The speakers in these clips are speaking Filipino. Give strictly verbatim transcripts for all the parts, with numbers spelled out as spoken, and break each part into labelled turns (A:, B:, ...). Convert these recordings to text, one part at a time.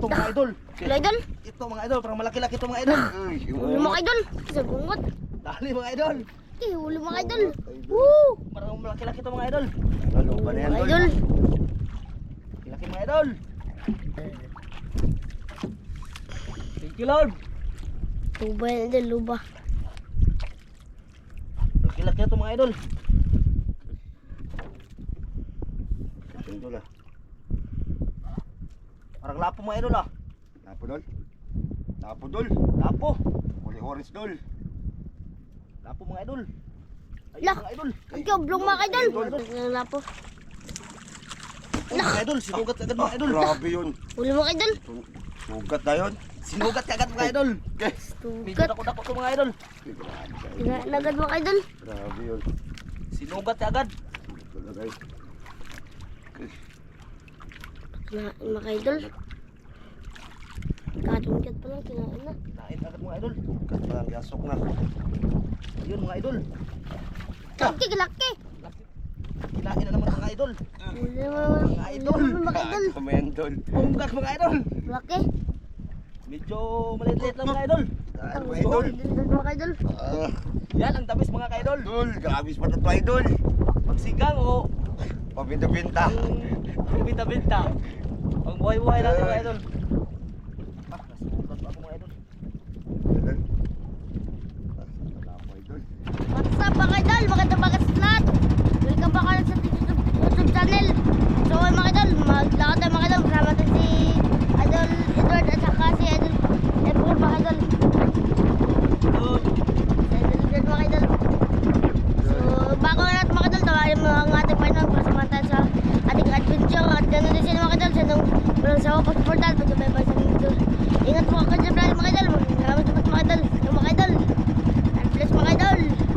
A: ito mga idol.
B: Wala idol.
A: Ito mga idol, parang malaki-laki ito mga idol.
B: Huli mga idol. Sa bungot.
A: Dali mga idol.
B: Eh, huli mga idol. Woo!
A: Parang malaki-laki ito mga idol.
C: Ano ba na yan,
B: Mga
C: Dol?
B: idol.
A: Laki mga idol. Thank you Lord.
B: Luba yan idol, luba.
A: Laki-laki ito mga idol.
C: Yung Dol, ah.
A: Parang lapo mga idol ah.
C: Lapo, Dol. Lapo, Dol.
A: Lapo.
C: Uli orange, Dol.
A: Lapo mga idol. Ayun
B: Lah.
A: mga idol.
B: Ikaw, blong mga idol. Ang lapo.
A: Oh, mga idol, sinugat agad mga idol.
C: Grabe yun.
B: Huli mga idol.
C: Sugat na yun.
A: Sinugat agad mga idol.
C: Okay.
A: Medyo
B: Tugat.
A: dako-dako ito mga idol.
B: Nagad mga idol.
C: Grabe yun.
A: Sinugat agad.
C: Wala, guys.
B: Kinain mga idol. Katungkat pa lang, kinain na.
A: Kinain agad mga idol.
C: Sugat pa lang, yasok na.
A: Ayun mga idol.
B: Laki, laki.
A: Kinain na naman mga idol.
B: Huli mga idol. Mga idol.
C: Ano yan, Dol?
A: Bunggat mga idol.
B: Laki.
A: Medyo maliit-liit lang mga idol.
C: Ano,
B: Ang
C: idol?
B: idol mga idol.
C: Ah,
A: Yan ang tamis mga ka-idol.
C: Dol, grabe pa na to, idol.
A: Pagsigang o
C: Pabinta-binta.
A: ang binta-binta. Ang buhay-buhay natin mga idol. Ah, nasugat pa ako mga idol.
C: Idol. Ah, wala po, idol.
B: What's up mga idol? Magandang bagas lahat. Welcome back ulit sa YouTube, YouTube channel. So mga idol, maglakad tayo mga idol. Kasama natin si Idol Edward at saka si Idol Edward mga idol.
A: Idol.
B: Si Idol Edward mga idol. So bago nga natin mga idol, tawarin mo ang ating partner para samahan tayo sa ating adventure. At ganoon din sila mga idol. Sa nung walang sawa pag-portal, pag-ibay-ibay sa mga idol. Ingat po ako dyan mga idol. Maraming sabat mga idol. Yung mga idol. God bless mga idol.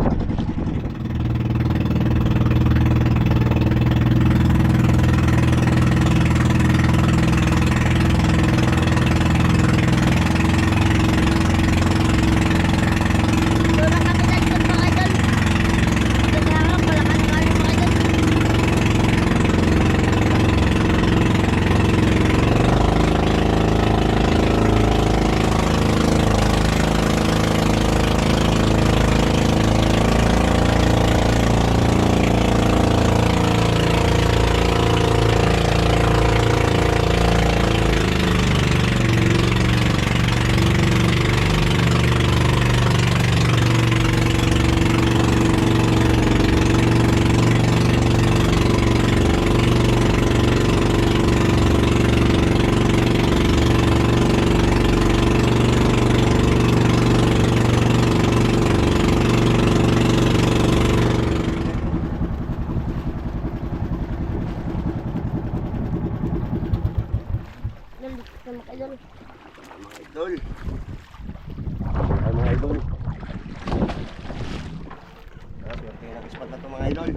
B: Doon ang kami dyan mga idol. Kasi harap, malakas nga rin mga idol. Idol, dito na mga idol.
C: Mga idol. Ay, mga idol. Ah, pero kaya nakispat na to mga idol.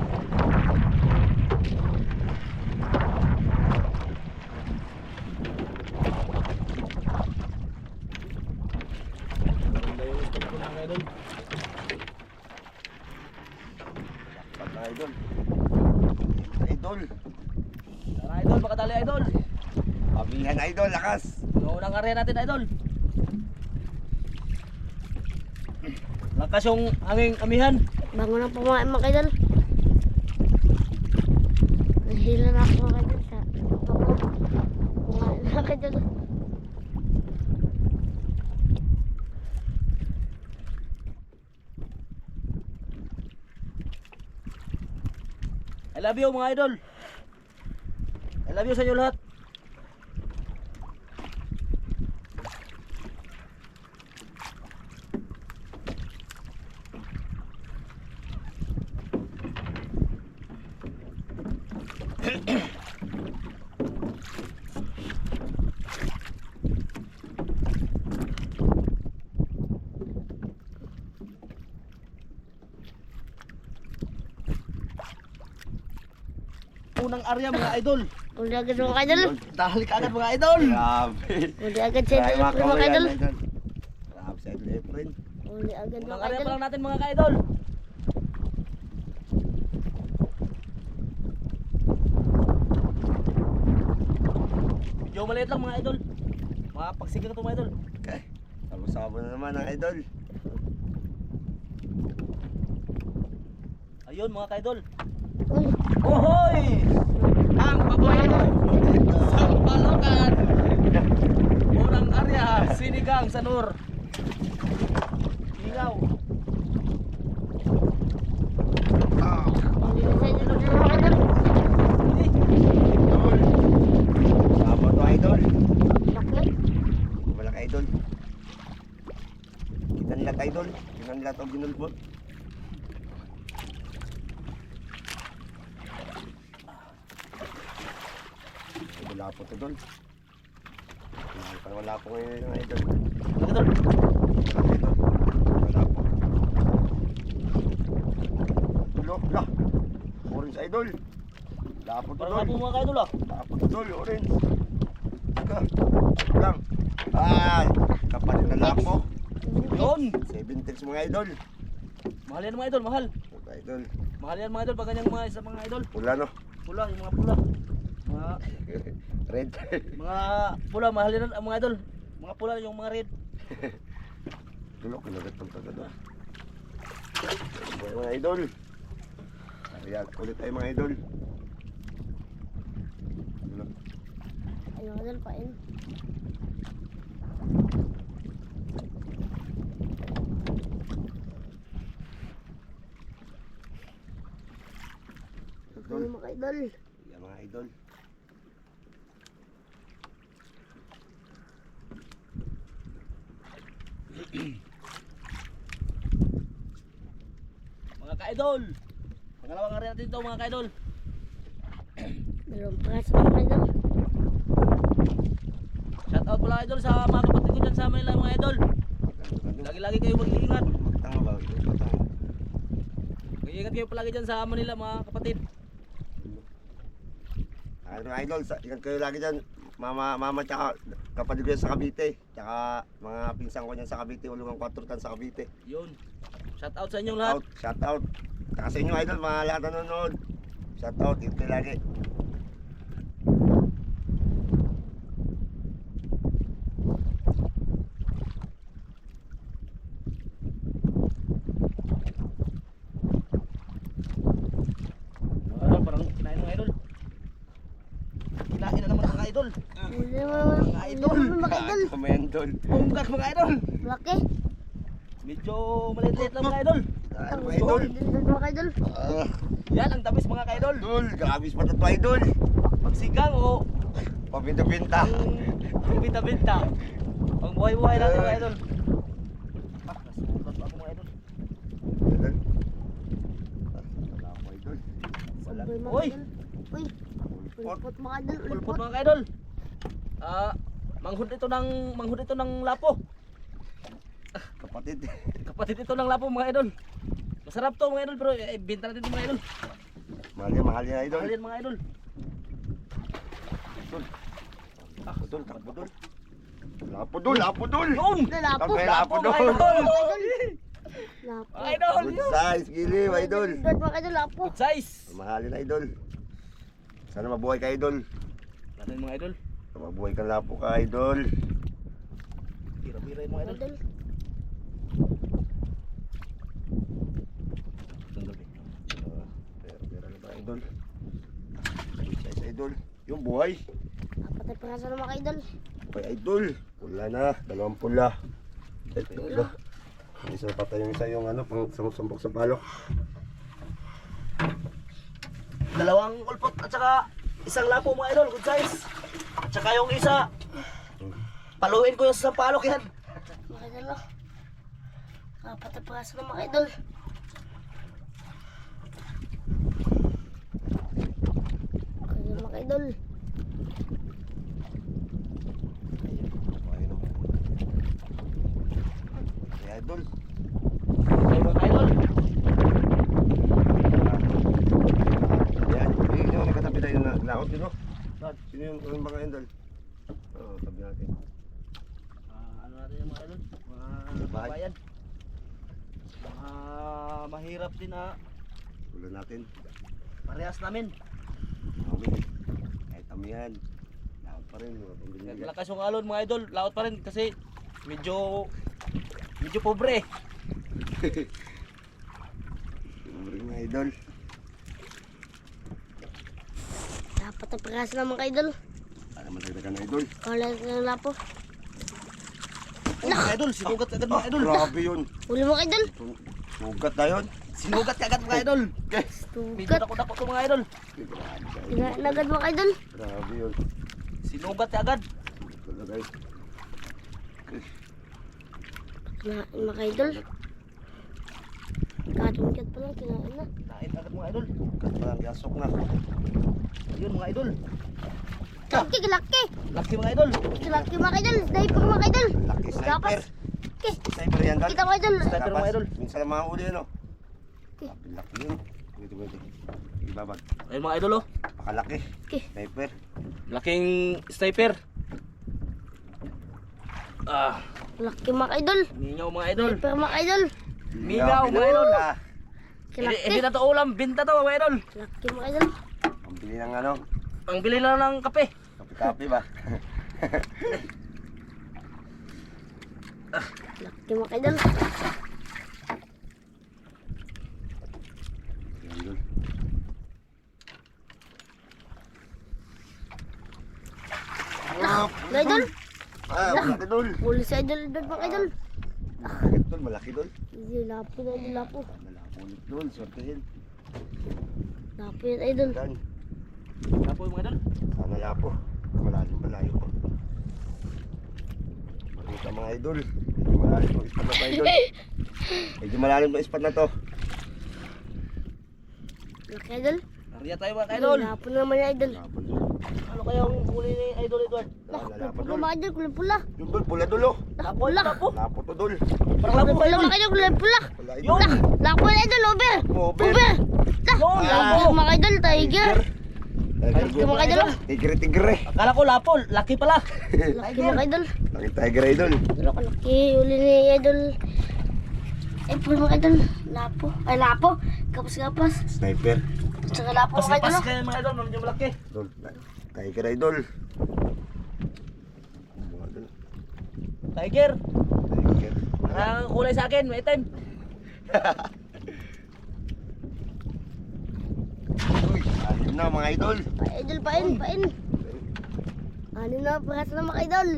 A: Ganda yung spot ko mga idol.
C: Ispat na idol. Idol.
A: Tara idol, baka dali idol.
C: Pabilihan idol, lakas.
A: Ang unang karya natin idol. Lakas yung aming amihan.
B: Bago na pumain mga idol. Nahila na ako mga idol sa bako. Pumain na mga idol.
A: I love you mga idol. I love you sa inyo lahat. Unang arya mga idol.
B: Uli agad mga idol.
A: Dahil ka agad mga idol.
C: Grabe.
B: Uli agad sa
C: Ay,
B: idol
C: mga
B: mga idol.
C: idol. Grabe sa idol Efren.
B: Uli agad
A: Unang
B: mga
A: arya
B: idol.
A: pa lang natin mga ka-idol. Medyo maliit lang mga idol. Mga pagsigang ito mga idol.
C: Okay. Sabo-sabo na naman ang idol.
A: Ayun mga ka-idol.
B: Uy,
A: Ohoy! Ang paboy sa Palokan. Unang area, sinigang sa Nur. Sinigaw.
C: Ah,
B: hindi na sa inyo na mga idol.
C: idol. Sabo to idol.
B: Laki.
C: Malaki idol. Kinanlat idol. Kinanlat o ginulbot. Wala po to doon. Wala po ngayon yung idol.
A: Mga idol.
C: Wala po. Tulo, lah. Orange idol. Wala po to
A: Parang
C: doon.
A: nga po mga ka-idol ah.
C: Wala po to doon, orange. Ika. Lang. Ay, kapalit na lapo.
A: Yun.
C: Seven tips mga idol.
A: Mahal yan mga idol, mahal.
C: Mga idol.
A: Mahal yan mga idol pag ganyang mga isa mga idol.
C: Pula no.
A: Pula, yung mga pula. Mga
C: Red.
A: mga pula, mahal yan ang mga idol. Mga pula yung mga red.
C: Tulo, kinagat ng taga doon. Mga idol. Ayan, ulit tayo mga idol. Tulo.
B: Ano mga idol, pain. Ano mga idol.
C: Ayan mga idol.
A: Mga ka-idol. Pangalawang area natin ito mga ka-idol.
B: Dalawang praso mga idol.
A: Shout out pala idol sa mga kapatid ko dyan sa Manila mga idol. Lagi-lagi kayo mag-iingat.
C: Tanga ba? Tanga.
A: Mag-iingat kayo palagi dyan sa Manila mga kapatid.
C: Ano mga idol, sa, ingat kayo lagi dyan. Mama, mama tsaka kapatid ko yan sa Cavite. Tsaka mga pinsan ko yan sa Cavite. Ulungang kwatro tan sa Cavite.
A: Yun. Shout out sa inyong lahat.
C: Out, shout out. Tsaka sa inyo idol, mga lahat na nanonood. Shout out, ingat kayo lagi.
A: Ano, parang kinain mga idol. Kinain na naman mga idol.
B: Huli naman
A: Mga idol.
B: mga idol.
C: Mga idol.
A: Bungkak mga idol.
B: Laki.
A: Medyo maliit-liit lang mga idol.
C: Ay, mga idol.
B: Dindot mga idol.
C: Ah,
A: Yan ang tamis mga ka-idol.
C: idol, grabe pa na to idol.
A: Pagsigang o
C: Pabinta-binta.
A: ang binta-binta. Ang buhay-buhay natin mga idol. Ah, nasulat ako mga idol.
C: Idol. Ah, wala ako idol. Wala.
B: Sabay mga
A: Uy!
B: idol. Uy! Ulpot mga idol.
A: Ulpot
B: Ulpot.
A: mga ka-idol. Ah, manghud ito ng manghud ito ng lapo.
C: Kapatid.
A: Kapatid ito ng lapo mga idol. Masarap to mga idol pero eh, binta natin ito mga idol.
C: Mahal yan, mahal yan idol.
A: Mahal yan mga idol.
C: Idol. Takbo dol, takbo dol. Lapo dol, lapo dol.
A: Yun!
B: Lalapo.
C: Takbo, lapo
A: mga
C: dol.
A: idol.
B: Lapo.
A: Mga idol.
C: Good size, giliw idol.
B: Dindot mga idol. Lapo.
A: Good size.
C: Mahalin idol. Sana mabuhay ka idol.
A: Natin mga idol.
C: Sana mabuhay ka lapo ka idol.
A: Tira-tira yung mga idol.
B: Idol.
A: Tanggal eh.
C: Ah, Pero, pero ano ba idol? Good size idol. Yung buhay.
B: Apat na praso na mga idol.
C: Buhay idol. Pula na, dalawang pula. Ito ba? Isa pa yung isa yung ano, pang sampok sa palok.
A: Dalawang ulpot at saka isang lapo mga idol, good size. At saka yung isa, paluin ko yung sa palok yan.
B: Mga idol. oh. Apat na praso na mga idol. Idol mga idol.
C: Ay, idol.
A: Ayun mga idol.
C: Ayan, yun yung nagkatabi tayo na laot yun, no?
A: Saan?
C: Sino yung yung mga idol? Oo, tabi natin.
A: Ah, ano natin yung mga idol? Mga
C: Bahay.
A: bayan. Mga mahirap din na
C: Pula natin.
A: parehas namin.
C: Kami. Kahit amihan. Laot Lahat pa rin, mga pambili.
A: Lakas yung alon mga idol, laot pa rin kasi medyo medyo pobre.
C: Siyempre mga idol.
B: Dapat ang pagkasa ng mga idol.
C: Para matagdagan na idol.
B: Kala ng lapo.
A: Oh, mga idol, sinugat agad mga
C: Ah,
A: idol.
C: grabe yun.
B: Huli mga idol.
C: Su- Sugat na yun.
A: Sinugat agad mga idol.
C: Okay.
A: Medyo
B: Tugat.
A: dako-dako to mga idol.
C: Grabe ka, idol.
B: Tinain agad mga idol.
C: Grabe yun.
A: Sinugat agad.
C: Wala guys.
B: Kinain mga idol. Katungkat pa lang, kinain na.
A: Nain agad mga idol.
C: Sugat pa lang, yasok na.
A: Ayun mga idol.
B: Laki, laki.
A: Laki mga idol.
B: Laki mga idol. Sniper mga idol.
C: Laki
B: Gapas.
C: sniper.
B: Okay.
C: Sniper yan dal.
B: Kita mga idol.
A: Sniper mga idol.
C: Minsan lang mga huli ano.
B: Okay.
C: Laki yun. Pwede pwede. Ibabag.
A: Ayun mga idol oh.
C: Pakalaki.
B: Okay.
C: Sniper.
A: Laking sniper. Ah,
B: Laki mga idol.
A: mingaw mga idol.
B: Sniper mga idol.
A: Mingaw mga idol.
C: Ah,
A: Hindi,
B: Laki.
A: hindi na to ulam, binta to mga idol.
B: Laki mga idol.
C: ang bili ng ano.
A: Ang bili lang ng kape.
C: Kapi-kapi ba?
B: Laki mga idol.
C: Idol.
B: Mga idol.
C: Ah, malaki dol.
B: Huli sa idol idol mga idol.
C: Malaki dol, malaki dol.
B: Hindi, lapo na idol, lapo.
C: Malaki ulit dol, sortehin.
B: Lapo yan idol.
C: Dan,
A: Apo yung mga idol.
C: sana lapo. Malalim, malayo po. Makita mga idol. Medyo malalim ang ispat na to idol. Medyo malalim ang ispat na to.
B: Laki idol.
A: Nariya tayo mga idol.
B: Lapo na naman yan idol.
C: Lapon dol.
A: Ano kayang huli ni Idol Edward?
C: Ah,
B: Kulay
C: lapon
B: pula
C: dol.
B: mga idol, kulay pula.
C: Yung dol, pula dol oh.
A: Lapo,
B: Pula.
A: lapo.
C: Lapo to dol.
A: Parang lapo
B: Pula
A: idol.
B: mga idol, kulay pula.
C: Pula
A: Yun.
C: idol.
B: Lapo na idol, over.
C: Over.
B: Over.
A: Yun,
B: Lapo
A: lapo.
B: mga idol, tiger.
C: Tiger,
B: Laki mga idol.
C: tigre, tigre.
A: Akala ko lapo, laki pala.
B: Laki mga idol.
C: Laki tiger idol.
B: Pero kalaki, uli ni idol. Ay, pula mga idol. Lapo. Ay, lapo. Kapas-kapas.
C: Sniper.
B: Saka lapo mga idol.
A: Pas-pas kayo mga idol, medyo malaki.
C: Dol. Tiger idol. Mga dol.
A: Tiger.
C: Tiger.
A: Parang kulay sa akin, may time.
C: Uy, alim na mga idol.
B: Ay, idol, pain, pain. Ano na, paras na mga idol.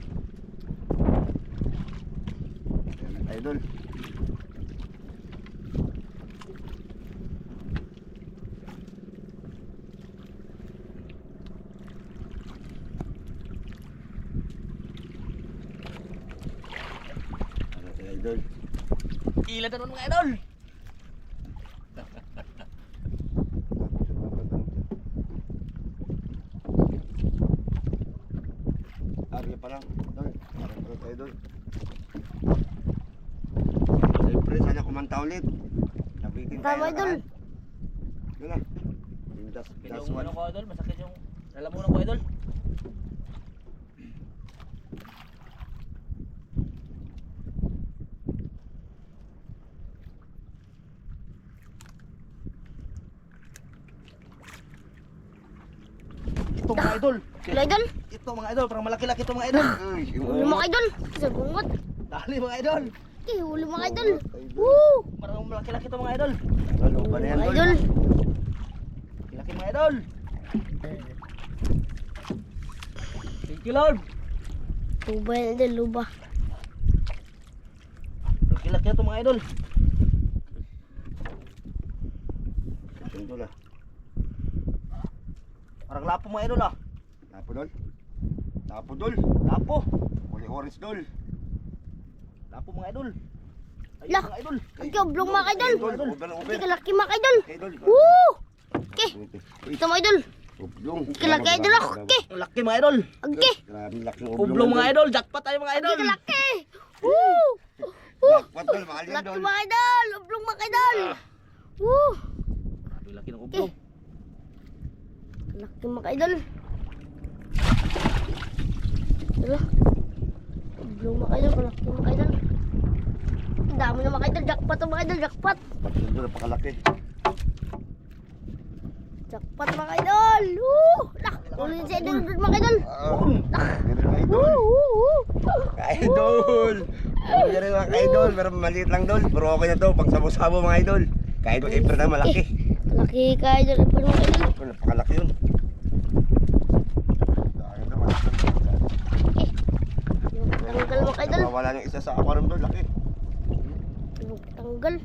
C: Ayan, idol. Ano tayo, idol?
A: Ilan naman mga idol.
C: Arya pa lang, idol. Arya pa lang tayo, idol. Siyempre, sana kumanta ulit. Nabitin tayo
B: Tama, idol.
C: lahat. Yun na. Yung das, das
A: Yung
C: one.
A: ano ko idol, masakit yung lalamunan ko idol. Ito mga idol.
B: Ilo idol.
A: Ito mga idol, parang malaki-laki ito mga idol.
C: Uy,
B: Huli mga idol. Sa bungot.
A: Dali mga idol.
B: Okay, huli mga idol. Woo!
A: Parang malaki-laki ito mga idol.
C: Ano ba na yan,
B: Mga
C: idol?
B: idol.
A: Laki mga idol. Thank you Lord.
B: Luba yan idol, luba.
A: Laki-laki ito mga idol.
C: Idol ah.
A: Parang lapo mga idol ah.
C: Lapo dol. Lapo dol.
A: Lapo.
C: Uli orange dol.
A: Lapo mga idol. Ayun
B: Lah.
A: mga idol.
B: Okay, oblong mga idol.
C: Idol, over, over.
B: Okay, kalaki mga idol.
C: Idol.
B: Woo! Okay,
C: Uy,
B: ito mga idol.
C: oblong.
B: Kalaki idol ako. Okay,
A: Ang laki mga idol.
B: okay.
C: Grabe laki ng oblong.
A: Oblong mga idol. Jackpot tayo mga idol.
B: Okay, kalaki. Woo!
C: Jackpot dol, mahal yan
B: Laki
C: dol.
B: mga idol. Oblong mga idol. Woo!
A: Grabe laki ng oblong.
B: Laki mga idol. Ito. Oblong mga idol. Kalaki mga idol. Ang dami na mga idol. Jackpot ang mga idol. Jackpot.
C: Jackpot dol, napakalaki.
B: Jackpot mga idol. Woo! Lah! Ulit sa idol mga idol.
C: Oo. Ganun mga idol. Ka-idol. Ganun mga ka-idol. Pero maliit lang dol. Pero okay na to. Pag sabo-sabo mga idol. Ka-idol, April na malaki.
B: Malaki ka idol. Ipon mga idol.
C: Oh, napakalaki yun. Dahil na malaki.
B: Tanggal mga idol.
C: Wala yung isa sa aquarium dol. Laki.
B: Tanggal.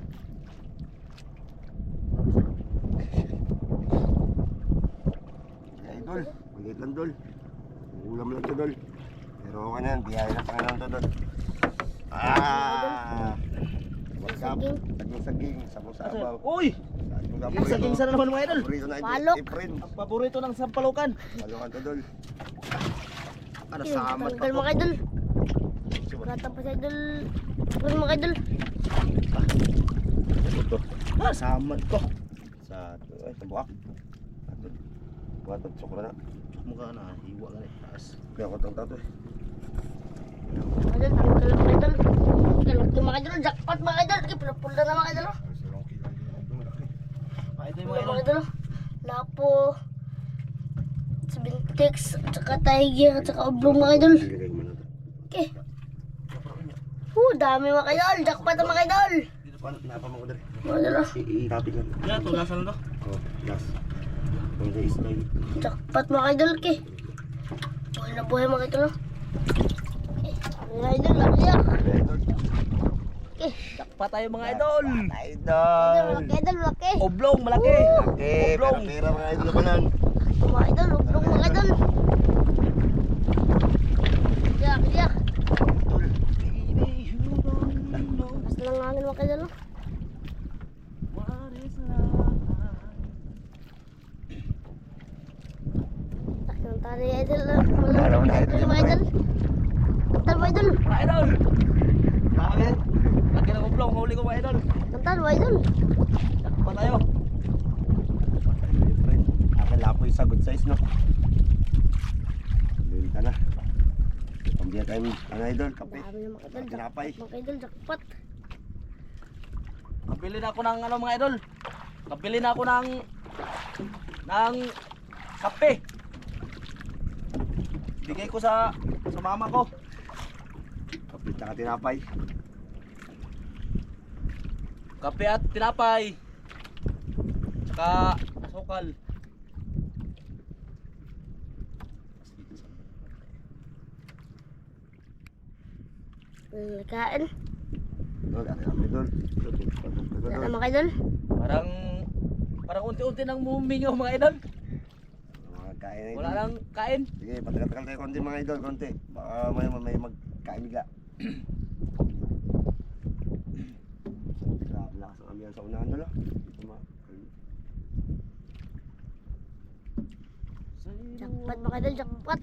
C: Ka-idol. Maliit lang dol. Ulam lang to dol. Pero okay na yan. Biyaya na Panginoon to dol. Ah! What's up?
B: Saging.
C: Saging-saging. Sabaw-sabaw.
A: Uy! Yung saging sana naman mga idol.
C: Paborito na
B: Palok.
C: Efren.
A: Ang paborito ng sampalukan.
C: Palukan to dol. Ano
B: Yun,
C: samat pa
B: tanggal
C: to?
B: mga idol. Gata pa sa idol. Ipon mga idol.
C: Ito.
A: Ah, samad ko.
C: Sa ay sa buak. Ato. Buat at sukra na.
A: Mukha na, hiwa ka rin. Taas.
C: Kaya ko tang tato eh.
B: Idol, tanggal mga idol. Kalaki mga idol. Jackpot mga idol. Pula-pula na mga idol.
A: Ah, ito yung
B: Mga
A: mga idol.
B: idol. Lapo. Sabintex. At saka tiger. At saka oblong mga idol.
C: Ilagay mo na to.
B: Okay. Uh, dami mga idol. Jackpot ang mga idol.
C: Dito pa napa mo ko dere.
B: Mga idol.
C: I-copy lang.
A: Yan, ito, nasa na to.
C: Oh, last. Kung sa style.
B: Jackpot mga idol. Okay. Buhay na buhay mga idol. Okay. Mga idol. Laki yan.
C: Idol.
B: Okay.
A: Pa tayo mga idol.
C: Idol.
B: Malaki idol. Malaki.
A: Oblong, malaki.
C: Okay, pero
A: Oblong.
C: pera mga idol naman yan.
B: Mga idol. Oblong mga idol. Yak, yak.
C: Idol.
B: Mas lang hangin mga idol. Tak ng tari idol.
C: Alam mo na, idol yan,
B: Mga idol. Kantal mo idol.
A: Mga idol. Bakit? Lagi ng oblong, huli ko mga idol.
B: Kantal mo idol.
A: Pa tayo.
C: Friend, akin lapoy sa good size no. Benta na. Pambiya tayo ano idol, kape.
B: Dami na mga idol.
C: Tinapay.
B: Jackpot mga idol. Jackpot.
A: Kapili na ako ng ano mga idol. Kapili na ako ng ng kape. Bigay ko sa sa mama ko.
C: Kape tsaka tinapay.
A: Kape at tinapay. Tsaka asukal.
B: Hmm, kain.
C: Idol, akin ang idol.
B: Wala na mga idol.
A: Parang parang unti-unti nang mumingaw mga idol.
C: Mga kain idol.
A: Wala nang kain.
C: Sige, patagal-tagal tayo konti mga idol, konti. Baka may, may magkain bigla. Grabe lakas ang ambiyan sa unahan dala.
B: Jackpot mga idol. Jackpot.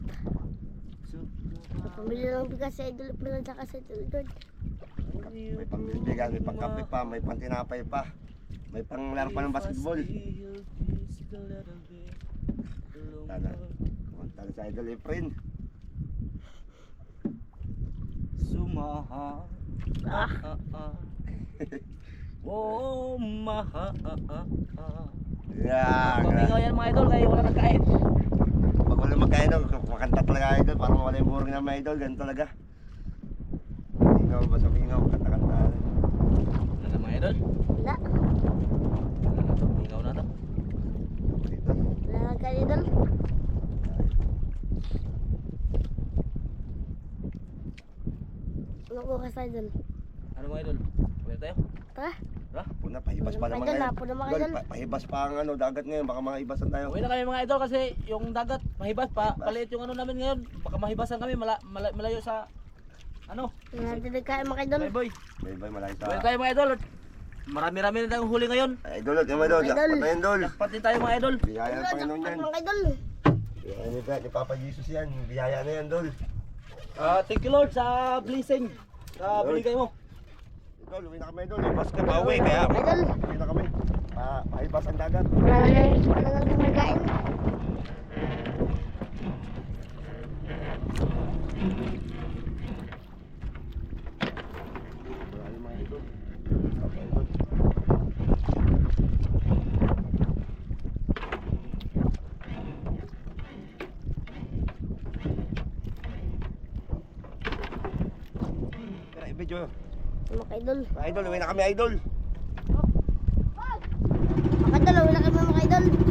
B: Pamili lang bigas sa idol. Pamili lang sa idol.
C: May pangbilibigan, may pangkape pa, may pantinapay pa. May panglaro pa ng basketball. Tala. Tala sa idol Efren.
A: Sumaha.
B: Ah.
A: Ah, ah. Oh, maha. Ah, ah, ah.
C: Yan.
A: Pamingaw yan mga idol kaya wala nang kain.
C: Pag wala magkain, no, makanta talaga idol. Para mawala yung boring na mga idol. Ganun talaga. Mingaw, basta mingaw, kanta-kanta.
A: Wala na mga idol.
B: Wala.
A: Wala na to. Mingaw na to.
C: Dito.
B: Wala na kain idol. Ano ko ka sa idol?
A: Ano mga idol? Wala tayo?
B: Tara.
A: Tara.
C: Puna, pahibas pa
B: Mga
C: naman
B: idol,
C: ngayon.
B: lapo na mga
C: Idol,
B: idol.
C: pa- pahibas pa ang ano, dagat ngayon. Baka mga ibasan tayo.
A: Uwi na kami mga idol kasi yung dagat mahibas pa.
C: Mahibas.
A: Paliit yung ano namin ngayon. Baka mahibasan kami mala, mala- malayo sa ano.
B: Wala natin nagkain mga idol.
A: Bye boy.
C: Bye bye, malayo sa...
A: Uwi tayo mga idol. Marami-rami na tayong huli ngayon.
C: Ay, idol, yung idol.
B: Idol.
C: Jackpot na yun, idol.
A: Pati tayo mga idol.
C: Biyaya ng Panginoon yan.
B: Mga idol.
C: Biyaya ni, ni Papa Jesus yan. Biyaya na yan, idol.
A: Ah, thank you Lord sa blessing. Sa
C: Lord.
A: binigay mo.
C: Idol, uwi na kami, idol. Ibas ka pa uwi, kaya
B: Idol.
C: uwi na kami. Pa, pahibas ang dagat.
B: Wala na wala na natin nagkain.
C: Wala yung mga idol. Papa, idol. video.
B: Mga idol.
C: Mga idol, uwi na kami idol.
B: Mga idol, wala kami mga idol.